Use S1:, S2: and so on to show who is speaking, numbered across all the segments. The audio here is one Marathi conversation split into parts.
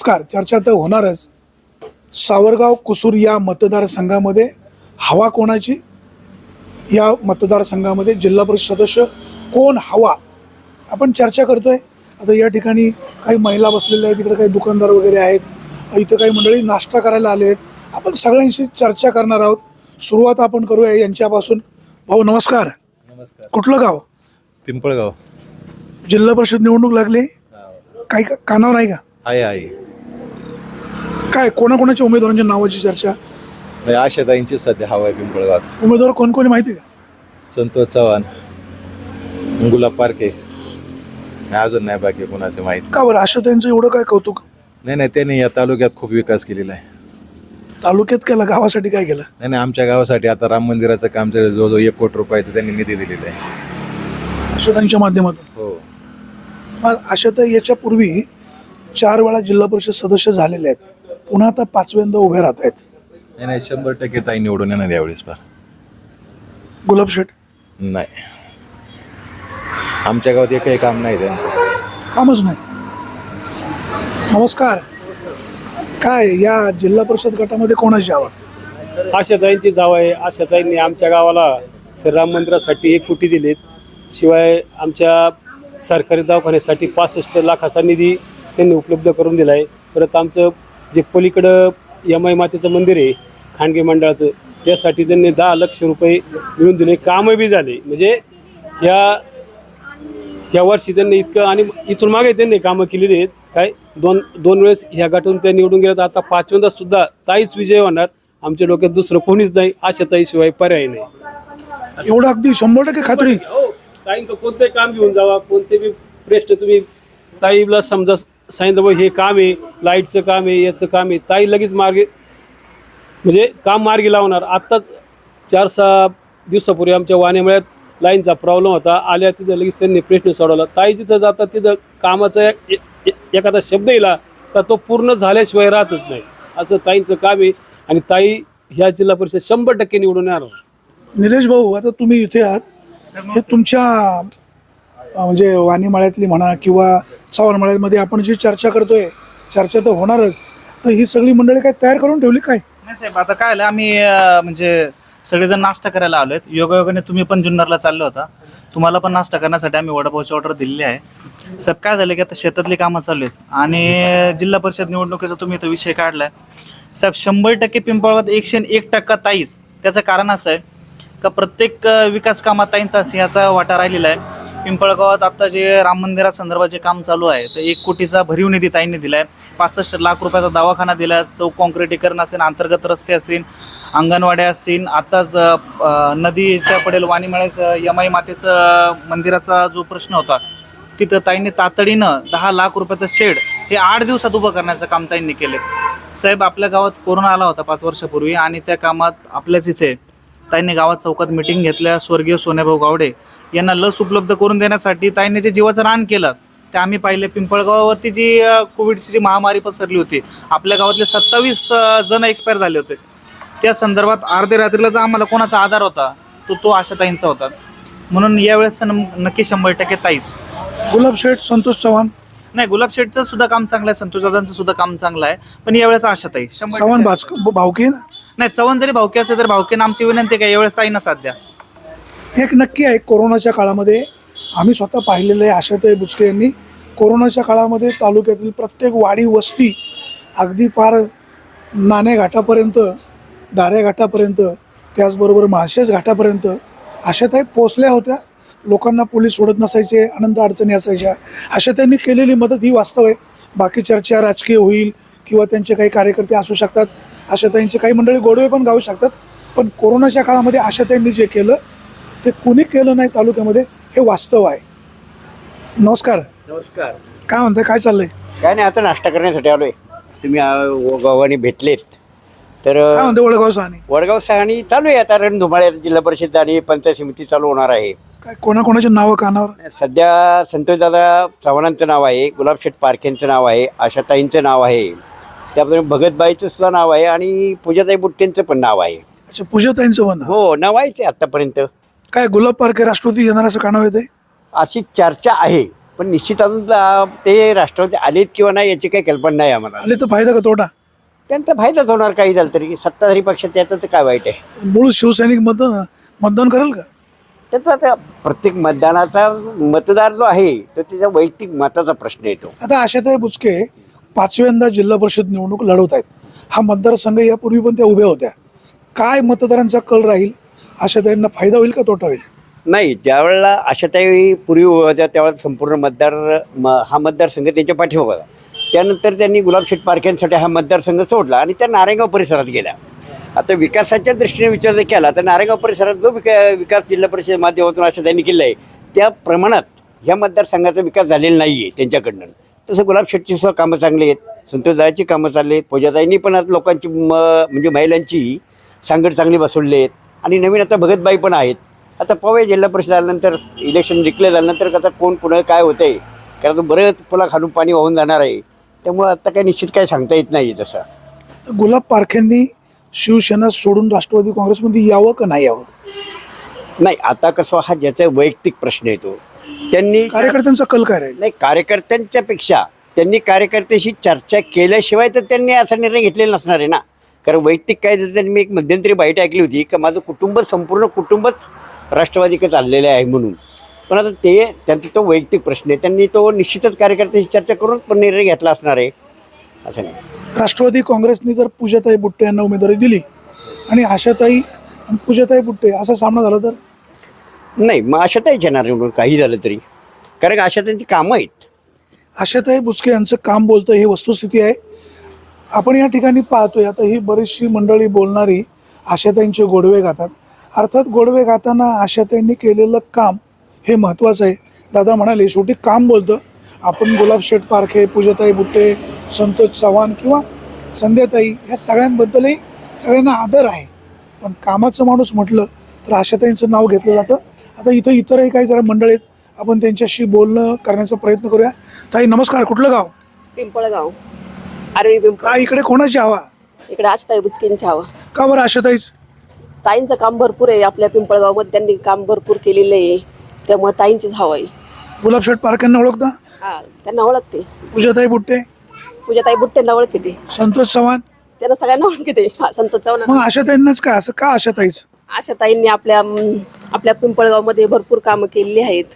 S1: नमस्कार. चर्चा तर होणारच. सावरगाव कुसूर या मतदारसंघामध्ये हवा कोणाची, या मतदारसंघामध्ये जिल्हा परिषद सदस्य कोण हवा, आपण चर्चा करतोय. आता या ठिकाणी काही महिला बसलेल्या आहेत, तिकडे काही दुकानदार वगैरे आहेत, इथं काही मंडळी नाश्ता करायला आले आहेत. आपण सगळ्यांशी चर्चा करणार आहोत. सुरुवात आपण करूया यांच्यापासून. भाऊ नमस्कार.
S2: नमस्कार.
S1: कुठलं गाव?
S2: पिंपळगाव.
S1: जिल्हा परिषद निवडणूक लागली, काही कानावर आहे का?
S2: आहे.
S1: काय कोणाकोणाच्या उमेदवारांच्या नावाची चर्चा?
S2: आशाताईंची सध्या हवा आहे पिंपळगावात.
S1: उमेदवार कोण कोणी माहिती का?
S2: संतोष चव्हाण, गुलाब पारखे, अजून नाही बाकी कोणाचे माहिती.
S1: का बरं आशा त्यांचं एवढं काय कौतुक?
S2: नाही, त्यांनी या तालुक्यात खूप विकास केलेला आहे.
S1: तालुक्यात केला, गावासाठी काय केलं?
S2: नाही, आमच्या गावासाठी आता राम मंदिराचं काम चालू, जवळजवळ 1 कोटी रुपयाचं त्यांनी निधी दिलेला आहे
S1: आशाताईंच्या माध्यमातून.
S2: हो.
S1: मग आशाताई याच्या पूर्वी 4 वेळा जिल्हा परिषद सदस्य झालेले आहेत, पुन्हा आता 5व्यांदा उभे राहत आहेत.
S2: नाही 100% ताई निवडून येणार यावेळेस. फार
S1: गुलाब शेठ
S2: नाही, आमच्या गावात एकही काम नाही त्यांचं.
S1: कामच नाही. नमस्कार. काय या जिल्हा परिषद गटामध्ये कोणाची हवा?
S3: आशाताईंची जाव आहे. आशाताईंनी आमच्या गावाला श्रीराम मंदिरासाठी 1 कोटी दिलेत. शिवाय आमच्या सरकारी दवाखान्यासाठी 65 लाखाचा निधी त्यांनी उपलब्ध करून दिला आहे. परत आमचं जे पलीकडं यमाई मातेचं मंदिर आहे खानगी मंडळाचं, त्यासाठी त्यांनी 10 लाख रुपये मिळून दिले. कामं बी झाले. म्हणजे ह्या वर्षी त्यांनी इतकं, आणि इथून मागे त्यांनी कामं केलेली आहेत. काय दोन वेळेस ह्या गटातून त्या निवडून गेल्यात. आता 5व्यांदा सुद्धा ताईच विजय होणार. आमच्या डोक्यात दुसरं कोणीच नाही. आशाताईशिवाय पर्याय नाही.
S1: एवढं अगदी 100% खात्री?
S3: ताईंचं कोणतंही काम घेऊन जावा, कोणते बी प्रश्न तुम्ही ताईला समजा सांगितलं बा हे काम आहे, लाईटचं काम आहे, याचं काम आहे, ताई लगेच मार्गी, म्हणजे काम मार्गी लावणार. आत्ताच 4-6 दिवसापूर्वी आमच्या वाण्यामळ्यात लाईनचा प्रॉब्लेम होता. आल्या तिथं लगेच त्यांनी प्रश्न सोडवला. ताई जिथं जातात तिथं कामाचा एखादा शब्द येला तर तो पूर्ण झाल्याशिवाय राहतच नाही. असं ताईंचं काम आहे. आणि ताई ह्या जिल्हा परिषद 100% निवडून येणार.
S1: निलेश भाऊ, आता तुम्ही इथे आहात, हे तुमच्या म्हणजे वाणीमाळ्यातली म्हणा किंवा चव्हाणमाळ्यामध्ये आपण जी चर्चा करतोय, चर्चा तर होणारच, तर ही सगळी मंडळी काय तयार करून ठेवली काय?
S4: नाही साहेब, आता काय आलं, आम्ही म्हणजे सगळेजण नाश्ता करायला आलोय. योगायोगाने तुम्ही पण जुन्नरला चालले होता, तुम्हाला पण नाश्ता करण्यासाठी आम्ही वडापावची ऑर्डर दिलेली आहे. साहेब काय झालं की आता शेतातली कामं चालू आहेत आणि जिल्हा परिषद निवडणुकीचा तुम्ही इथं विषय काढलाय. साहेब 100% पिंपळगावात 101% ताईच. त्याचं कारण असं आहे का प्रत्येक विकास कामात ताईंचा सिंहाचा वाटा राहिलेला आहे. पिंपळगावात आता जे राम मंदिरासंदर्भात जे काम चालू आहे तर 1 कोटीचा भरीव निधी ताईंनी दिला आहे. 65 लाख रुपयाचा दवाखाना दिला आहे. चौक कॉन्क्रिटीकरण असेल, अंतर्गत रस्ते असतील, अंगणवाड्या असतील. आताच नदीच्या पडेल वाणीमाळ्यात यमाई मातेचं मंदिराचा जो प्रश्न होता तिथं ताईंनी तातडीनं 10 लाख रुपयाचं शेड हे 8 दिवसात उभं करण्याचं काम ताईंनी केले. साहेब आपल्या गावात कोरोना आला होता 5 वर्षापूर्वी आणि त्या कामात आपल्याच इथे ताईंनी गावात चौकात मिटिंग घेतल्या. स्वर्गीय सोन्याभाऊ गावडे यांना लस उपलब्ध करून देण्यासाठी ताईंनी जे जीवाचं रान केलं ते आम्ही पाहिले. पिंपळगावावरती जी कोविडची जी महामारी पसरली होती, आपल्या गावातले 27 जण एक्सपायर झाले होते. त्या संदर्भात अर्ध्या रात्रीला जो आम्हाला कोणाचा आधार होता तो आशाताईंचा होता. म्हणून यावेळेस नक्की 100% ताईच.
S1: गुलाब शेठ, संतोष चव्हाण?
S4: नाही, गुलाब शेठचं सुद्धा काम चांगलं आहे, संतोष दादांचं सुद्धा काम चांगलं आहे, पण यावेळेस आशाताई 100%.
S1: चव्हाण भावकी ना?
S4: नाही, चव्हाण जरी भावकी असेल तर भावकीनं आमची विनंती काय यावेळेस ताईंना साथ द्या.
S1: एक नक्की आहे, कोरोनाच्या काळामध्ये आम्ही स्वतः पाहिलेलं आहे. आशाताई बुचके यांनी कोरोनाच्या काळामध्ये तालुक्यातील प्रत्येक वाडी वस्ती अगदी फार नाणे घाटापर्यंत, दाऱ्या घाटापर्यंत, त्याचबरोबर माळशेज घाटापर्यंत आशाताई पोचल्या होत्या. लोकांना पोलीस सोडत नसायचे, अनंत अडचणी असायच्या. आशाताईंनी केलेली मदत ही वास्तव आहे. बाकी चर्चा राजकीय होईल किंवा त्यांचे काही कार्यकर्ते असू शकतात, आशाताईंचे काही मंडळी गोडवे पण गाऊ शकतात, पण कोरोनाच्या काळामध्ये आशाताईंनी जे केलं ते कुणी केलं नाही तालुक्यामध्ये, हे वास्तव आहे. नमस्कार.
S5: नमस्कार.
S1: काय म्हणताय, काय चाललंय?
S5: काय नाही, आता नाश्ता करण्यासाठी आलोय. तुम्ही गावाने भेटलेत तर
S1: काय म्हणते वडगाव सहानी?
S5: वडगाव सहाणी चालू आहे. आता रणधुमाळ्यात जिल्हा परिषद आणि पंचायत समिती चालू होणार आहे.
S1: काय कोणाकोणाची नावं कानावर?
S5: सध्या संतोषदादा चव्हाणांचं नाव आहे, गुलाबशेठ पारखेंचं नाव आहे, आशाताईंचं नाव आहे, त्याप्रमाणे भगतबाईचं सुद्धा नाव आहे आणि पूजाताई बुट्टेंचं पण नाव आहे.
S1: अच्छा, पूजाताईंचं पण?
S5: हो, नाव आहे ते आतापर्यंत.
S1: काय गुलाब पारखे राष्ट्रपती येणार असं कानावर येते?
S5: अशी चर्चा आहे, पण निश्चित अजून ते राष्ट्रवादी आलेत किंवा नाही याची काही कल्पना नाही आम्हाला.
S1: आले तर फायदा का तोटा?
S5: त्यांचा फायदाच होणार काही झालं तरी. सत्ताधारी पक्षात त्याचं तर काय वाईट आहे.
S1: मूळ शिवसैनिक मतदान करेल का?
S5: त्याचा आता प्रत्येक मतदानाचा मतदार जो आहे तो त्याच्या वैयक्तिक मताचा प्रश्न येतो.
S1: आता आशाताई बुचके 5व्यांदा जिल्हा परिषद निवडणूक लढवत आहेत. हा मतदारसंघ यापूर्वी पण त्या उभ्या होत्या. काय मतदारांचा कल राहील? आशाताईंना फायदा होईल का तोटा होईल?
S5: नाही, ज्यावेळेला आशाताई पूर्वी होत्या त्यावेळेला संपूर्ण हा मतदारसंघ त्यांच्या पाठीमागे होता. त्यानंतर त्यांनी गुलाबशेठ पारख्यांसाठी हा मतदारसंघ सोडला आणि त्या नारायणगाव परिसरात गेल्या. आता विकासाच्या दृष्टीने विचार जर केला तर नारायणगाव परिसरात जो विकास जिल्हा परिषद माध्यमातून आशाताईंनी केला आहे त्या प्रमाणात ह्या मतदारसंघाचा विकास झालेला नाही आहे त्यांच्याकडनं. तसं गुलाबशेठची सुद्धा कामं चांगली आहेत, संतोषदादाची कामं चालली आहेत, पूजाताईंनी पण आता लोकांची म्हणजे महिलांची सांगड चांगली बसवली आहेत आणि नवीन आता भगतबाई पण आहेत. आता पाहूया जिल्हा परिषद आल्यानंतर इलेक्शन डिक्लेअर झाल्यानंतर आता कोण कुणा काय होतं आहे, कारण बरंच पुला खालून पाणी वाहून जाणार आहे. त्यामुळं आता काही निश्चित काही सांगता येत नाही तसं.
S1: गुलाब पारखेंनी शिवसेना सोडून राष्ट्रवादी काँग्रेसमध्ये यावं का नाही यावं?
S5: नाही, आता कसं हा ज्याचा वैयक्तिक प्रश्न येतो. त्यांनी
S1: कार्यकर्त्यांचा कल काय राहील?
S5: नाही, कार्यकर्त्यांच्या पेक्षा त्यांनी कार्यकर्त्याशी चर्चा केल्याशिवाय तर त्यांनी असा निर्णय घेतलेला नसणार आहे ना. कारण वैयक्तिक काय जर त्यांनी मी एक मध्यंतरी बाईट ऐकली होती की माझं कुटुंब संपूर्ण कुटुंबच राष्ट्रवादीकडे चाललेलं आहे म्हणून. पण आता ते त्यांचा तो वैयक्तिक प्रश्न आहे, त्यांनी तो निश्चितच कार्यकर्त्यांशी चर्चा करून पण निर्णय घेतला असणार आहे असं नाही.
S1: राष्ट्रवादी काँग्रेसने जर पूजाताई बुट्टे यांना उमेदवारी दिली आणि आशाताई आणि पूजाताई बुट्टे असा सामना झाला तर?
S5: नाही, मग आशाताईच येणार निवडून काही झालं तरी, कारण आशाताईंची कामं आहेत.
S1: आशाताई बुचके यांचं काम बोलतं ही वस्तुस्थिती आहे. आपण या ठिकाणी पाहतोय आता ही बरीचशी मंडळी बोलणारी आशाताईंचे गोडवे गातात. अर्थात गोडवे गाताना आशाताईंनी केलेलं काम हे महत्त्वाचं आहे. दादा म्हणाले शेवटी काम बोलतं. आपण गुलाबशेठ पारखे, पूजाताई बुट्टे, संतोष चव्हाण किंवा संध्याताई ह्या सगळ्यांबद्दलही सगळ्यांना आदर आहे, पण कामाचं माणूस म्हटलं तर आशाताईंचं नाव घेतलं जातं. आता इथं इतरही काही जरा मंडळ आहेत, आपण त्यांच्याशी बोलणं करण्याचा प्रयत्न करूया. ताई नमस्कार, कुठलं गाव?
S6: पिंपळगाव. आरवी पिंपळ.
S1: काय इकडे कोणाची हवा?
S6: इकडे आशाताई बुचकेंची हवा.
S1: का बरं आशाताईच?
S6: ताईंचं काम भरपूर आहे आपल्या पिंपळगावमध्ये, त्यांनी काम भरपूर केलेलं आहे, त्यामुळे ताईंचीच हवा आहे.
S1: गुलाबशेठ पारखेंना ओळखता?
S6: हा, त्यांना ओळखते.
S1: पूजाताई बुट्टे?
S6: पूजाताई बुट्टेंना ओळखते ते.
S1: संतोष चव्हाण?
S6: त्यांना सगळ्यांना ओळखते. हा, संतोष चव्हाण.
S1: मग आशाताईंनाच काय असं का आशाताईच?
S6: आशाताईंनी आपल्या पिंपळगावमध्ये भरपूर कामं केलेली आहेत.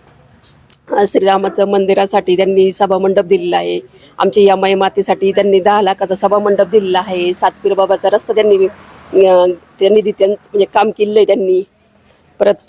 S6: श्रीरामाचं मंदिरासाठी त्यांनी सभामंडप दिलेला आहे. आमच्या या मातीसाठी त्यांनी 10 लाखाचा सभामंडप दिलेला आहे. सातपीर बाबाचा रस्ता त्यांनी म्हणजे काम केलेलं आहे त्यांनी. परत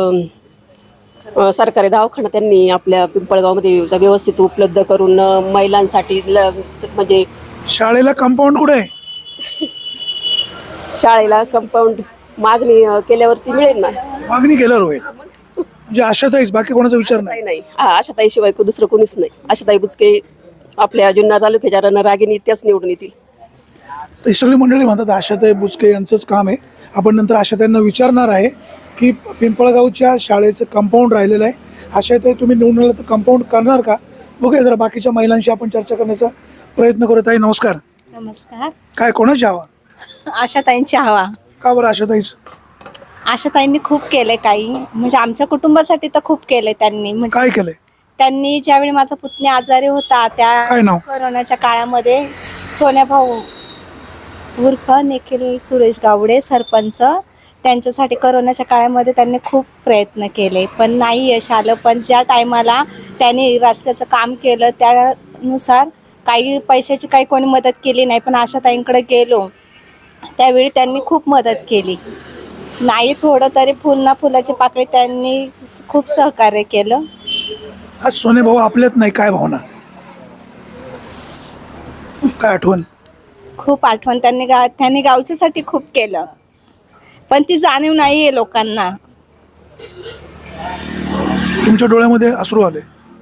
S6: सरकारी दवाखाना त्यांनी आपल्या पिंपळगावमध्ये व्यवस्थित उपलब्ध करून महिलांसाठी म्हणजे
S1: शाळेला कंपाऊंड कुठे आहे?
S6: शाळेला कंपाऊंड मागणी केल्यावरती मिळेल ना.
S1: मागणी केल्यावर होईल. म्हणजे आशाताईच, बाकी कोणाचा विचार नाही?
S6: नाही, आशाताईशिवाय दुसरं कोणीच नाही. आशाताई बुचके आपल्या जुन्नर तालुक्याच्या रणरागिणी त्याच निवडून येतील.
S1: तर ही सगळी मंडळी म्हणतात आशाताई बुचके यांचंच काम आहे. आपण नंतर आशाताईंना विचारणार आहे की पिंपळगावच्या शाळेचं कंपाऊंड राहिलेलं आहे. आशाताई तुम्ही निवडून आला तर कंपाऊंड करणार का? बघूया जरा बाकीच्या महिलांशी आपण चर्चा करण्याचा प्रयत्न करत आहे. नमस्कार.
S7: नमस्कार.
S1: काय कोणाची हवा?
S7: आशाताईंची हवा.
S1: का बरं आशाताईच?
S7: आशाताईंनी खूप केले, काही म्हणजे आमच्या कुटुंबासाठी तर खूप केले त्यांनी. म्हणजे
S1: काय केलंय
S7: त्यांनी ज्यावेळी माझा पुतणी आजारी होता
S1: काय
S7: त्या
S1: नाव?
S7: कोरोनाच्या काळामध्ये सोन्याभाऊ उर्फ निखिल सुरेश गावडे सरपंच, त्यांच्यासाठी कोरोनाच्या काळामध्ये त्यांनी खूप प्रयत्न केले पण नाही यश आलं. पण ज्या टायमाला त्यांनी रस्त्याचं काम केलं त्यानुसार काही पैशाची काही कोणी मदत केली नाही, पण आशाताईंकडे गेलो त्यावेळी त्यांनी खूप मदत केली. नाही थोडं तरी फुल ना फुलाची पाकळी त्यांनी खूप सहकार्य केलं.
S1: आज सोने भाऊ आपल्यात नाही, काय भावना, काय आठवण?
S7: खूप आठवण. त्यांनी गावच्यासाठी खूप केलं पण ती जाणीव नाही आहे लोकांना.
S1: तुमच्या डोळ्यामध्ये अश्रू आले?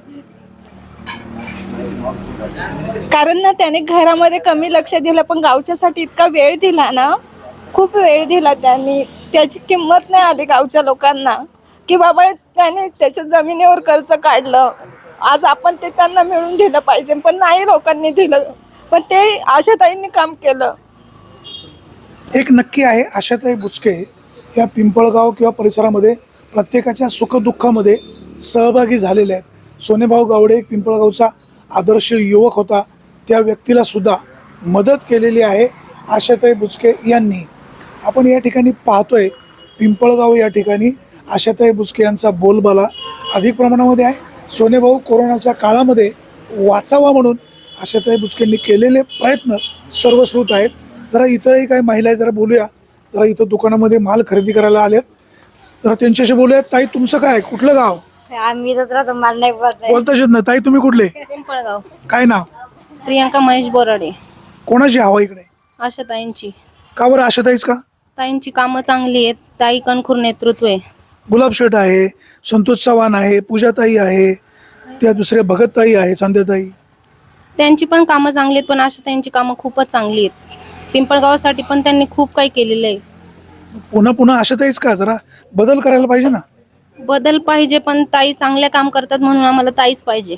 S7: कारण ना त्याने घरामध्ये कमी लक्ष दिलं पण गावच्यासाठी इतका वेळ दिला ना, खूप वेळ दिला त्यांनी. त्याची किंमत नाही आली गावच्या लोकांना की बाबा त्याने त्याच्या जमिनीवर कर्ज काढलं, आज आपण ते त्यांना मिळून दिलं पाहिजे पण नाही लोकांनी दिलं. पण ते आशाताईंनी काम केलं.
S1: एक नक्की आहे, आशाताई बुचके या पिंपळगाव किंवा परिसरामध्ये प्रत्येकाच्या सुखदुःखामध्ये सहभागी झालेल्या आहेत. सोनेभाऊ गावडे एक पिंपळगावचा आदर्श युवक होता, त्या व्यक्तीला सुद्धा मदत केलेली आहे आशाताई बुचके यांनी. आपण या ठिकाणी पाहतोय पिंपळगाव या ठिकाणी आशाताई बुचके यांचा बोलबाला अधिक प्रमाणामध्ये आहे. सोनेभाऊ कोरोनाच्या काळामध्ये वाचावा म्हणून आशाताई बुचकेंनी केलेले प्रयत्न सर्वश्रुत आहेत. जरा इथंही काही महिला आहे, जरा बोलूया. जरा इथं दुकानामध्ये माल खरेदी करायला आलेत, तर त्यांच्याशी बोलूया. ताई तुमचं काय, कुठलं गाव?
S7: आम्ही तर राहतो, मला नाही
S1: बोलताच येत नाही. ताई तुम्ही कुठले?
S7: पिंपळगाव.
S1: काय नाव?
S7: प्रियंका महेश बोराडे.
S1: कोणाची हवा इकडे?
S7: आशा ताईंची.
S1: का बरं आशाताईच का?
S7: ताईंची कामं चांगली आहेत. ताई कणखूर नेतृत्व आहे.
S1: गुलाब शेठ आहे, संतोष चव्हाण आहे, पूजाताई आहे, त्या दुसऱ्या भगतताई आहे, संध्याताई.
S7: त्यांची पण कामं चांगली आहेत, पण आशा ताईंची कामं खूपच चांगली आहेत. पिंपळगावासाठी पण त्यांनी खूप काही केलेलं आहे.
S1: पुन्हा पुन्हा आशाताईच का? जरा बदल करायला पाहिजे ना.
S7: बदल पाहिजे, पण ताई चांगल्या काम करतात म्हणून आम्हाला ताईच पाहिजे.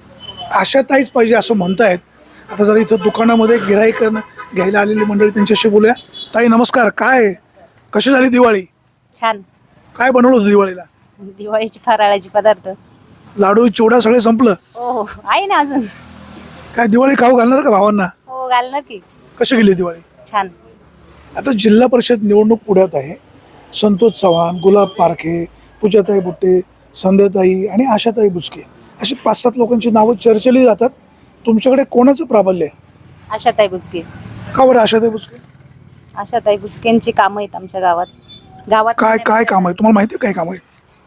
S1: आशाताईच पाहिजे असं म्हणतायत. आता जरा इथं दुकानामध्ये गिऱ्हाईक घ्यायला आलेली मंडळी, त्यांच्याशी बोलूया. ताई नमस्कार. काय कशी झाली दिवाळी?
S8: छान.
S1: काय बनवलं होतं दिवाळीला?
S8: दिवाळीची फराळाची पदार्थ.
S1: लाडू चिवडा सगळे संपलं?
S8: हो आहे ना अजून.
S1: काय दिवाळी खाऊ घालणार का भावांना?
S8: हो घालणार की.
S1: कशी गेली दिवाळी?
S8: छान.
S1: आता जिल्हा परिषद निवडणूक पुढ्यात आहे. संतोष चव्हाण, गुलाब पारखे, पूजाताई बुट्टे, संध्याताई आणि आशाताई बुचके अशी 5-7 लोकांची नावं चर्चेली जातात. तुमच्याकडे कोणाचं प्राबल्य आहे?
S8: आशाताई बुचके.
S1: का बरं आशाताई बुचके?
S8: आशाताई बुचकेंची कामं आहेत आमच्या गावात. गावात
S1: काय काय काम आहे तुम्हाला माहिती आहे? काय काम आहे?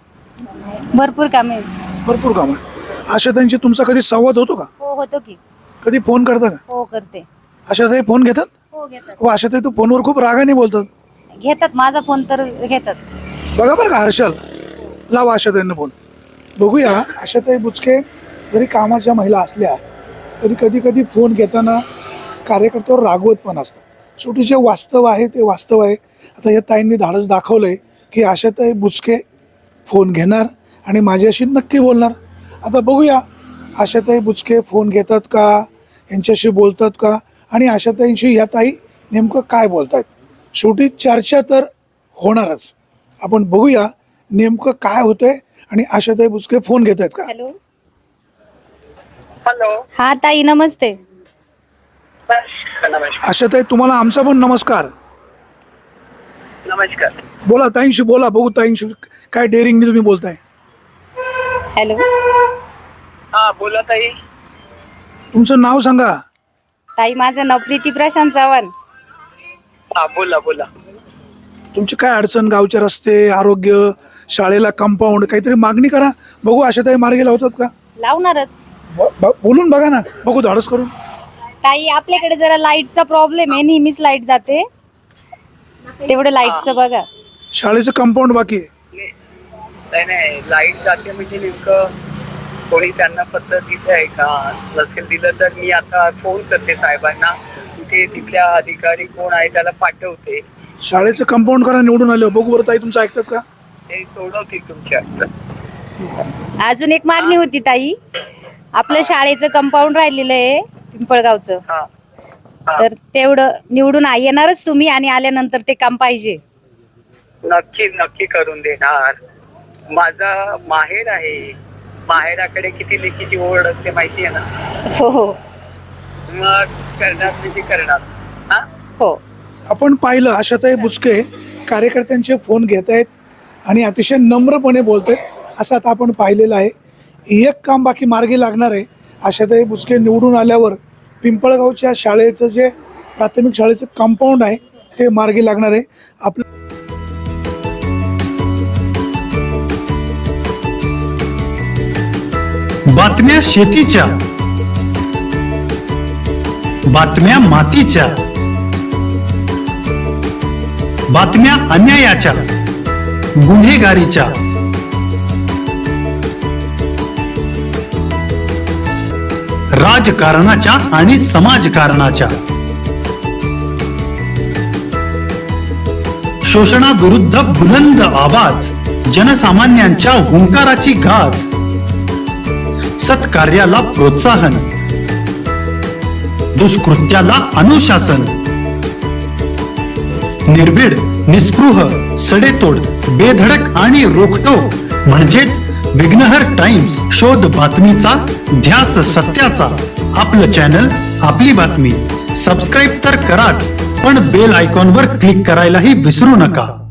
S8: भरपूर कामे आहेत.
S1: भरपूर काम आहे. आशाताईंची तुमचा कधी संवाद होतो का?
S8: हो होतो की.
S1: कधी फोन करता का?
S8: हो करते.
S1: आशाताई फोन घेतात?
S8: हो घेतात.
S1: हो आशाताई तू फोनवर खूप रागाने बोलतात.
S8: घेतात, माझा फोन तर घेतात.
S1: बघा बरं का हर्षल, लावा आशाताईंना फोन. बघूया. आशाताई बुचके जरी कामाच्या महिला असल्या तरी कधी कधी फोन घेताना कार्यकर्त्यावर रागवत पण असतात. शेवटी जे वास्तव आहे ते वास्तव आहे. आता या ताईंनी धाडस दाखवलं आहे की आशाताई बुचके फोन घेणार आणि माझ्याशी नक्की बोलणार. आता बघूया आशाताई बुचके फोन घेतात का, यांच्याशी बोलतात का, आणि आशाताईंशी या ताई नेमकं काय बोलत आहेत. शेवटी चर्चा तर होणारच. आपण बघूया नेमकं काय होतंय आणि आशाताई बुचके फोन घेत आहेत का.
S8: हॅलो.
S9: हॅलो.
S8: हा ताई नमस्ते.
S1: आशाताई तुम्हाला आमचा पण नमस्कार.
S9: नमस्कार.
S1: बोला ताईंशी बोला, बघू ताईंशी काय डेअरिंगने तुम्ही बोलताय.
S8: हॅलो.
S9: हा बोला ताई.
S1: तुमचं नाव सांगा.
S8: ताई माझं नाव प्रीती प्रशांत चव्हाण.
S9: हा बोला बोला.
S1: तुमची काय अडचण, गावचे रस्ते, आरोग्य, शाळेला कंपाऊंड, काहीतरी मागणी करा. बघू आशाताई मार्गी लावतात का.
S8: लावणारच.
S1: बोलून बघा ना, बघू धाडस करून.
S8: ताई आपल्याकडे जरा लाईटचा प्रॉब्लेम आहे, नेहमीच लाईट जाते. तेवढं लाईटचं बघा.
S1: शाळेचं कंपाऊंड बाकी आहे.
S9: नाही नाही, लाईट जाते म्हणजे नेमकं कोणी त्यांना पत्र दिलं आहे का? नसेल दिलं तर मी आता फोन करते साहेबांना. तिथे तिथल्या अधिकारी कोण आहे त्याला पाठवते.
S1: शाळेचं कंपाऊंड करा निवडून आलं. बघू बरं ताई तुमचं ऐकतात का.
S9: ते सोडवतील तुमच्या हातात.
S8: अजून एक मागणी होती ताई. आपलं शाळेचं कंपाऊंड राहिलेलं आहे पिंपळगावचं,
S9: हा हा.
S8: तर तेवढं निवडून येणारच तुम्ही, आणि आल्यानंतर ते काम पाहिजे.
S9: नक्की नक्की करून देणार. माझा माहेर आहे. माहेराकडे किती लेखीची ओढ असते माहिती आहे ना.
S8: हो हो
S9: मग करणार म्हणजे करणार. हा
S8: हो.
S1: आपण पाहिलं आशाताई बुचके कार्यकर्त्यांचे फोन घेत आहेत आणि अतिशय नम्रपणे बोलत आहेत असं आता आपण पाहिलेलं आहे. एक काम बाकी मार्गी लागणार आहे. आशाताई बुचके निवडून आल्यावर पिंपळगावच्या शाळेचं जे प्राथमिक शाळेचं कंपाऊंड आहे ते मार्गी लागणार आहे. आपलं
S10: बातम्या शेतीच्या, बातम्या मातीच्या, बातम्या अन्यायाच्या, गुन्हेगारीच्या, राजकारणाच्या आणि समाजकारणाच्या, शोषणाविरुद्ध बुलंद आवाज, जनसामान्यांच्या हुंकाराची गाज, सत्कार्याला प्रोत्साहन, दुष्कृत्याला अनुशासन, निर्भीड, निस्पृह, सडेतोड, बेधडक आणि रोखटोक म्हणजेच विघ्नहर टाइम्स, शोध बातमीचा, ध्यास सत्याचा. आपलं चॅनल, आपली बातमी. सबस्क्राईब तर कराच, पण बेल आयकॉनवर क्लिक करायलाही विसरू नका.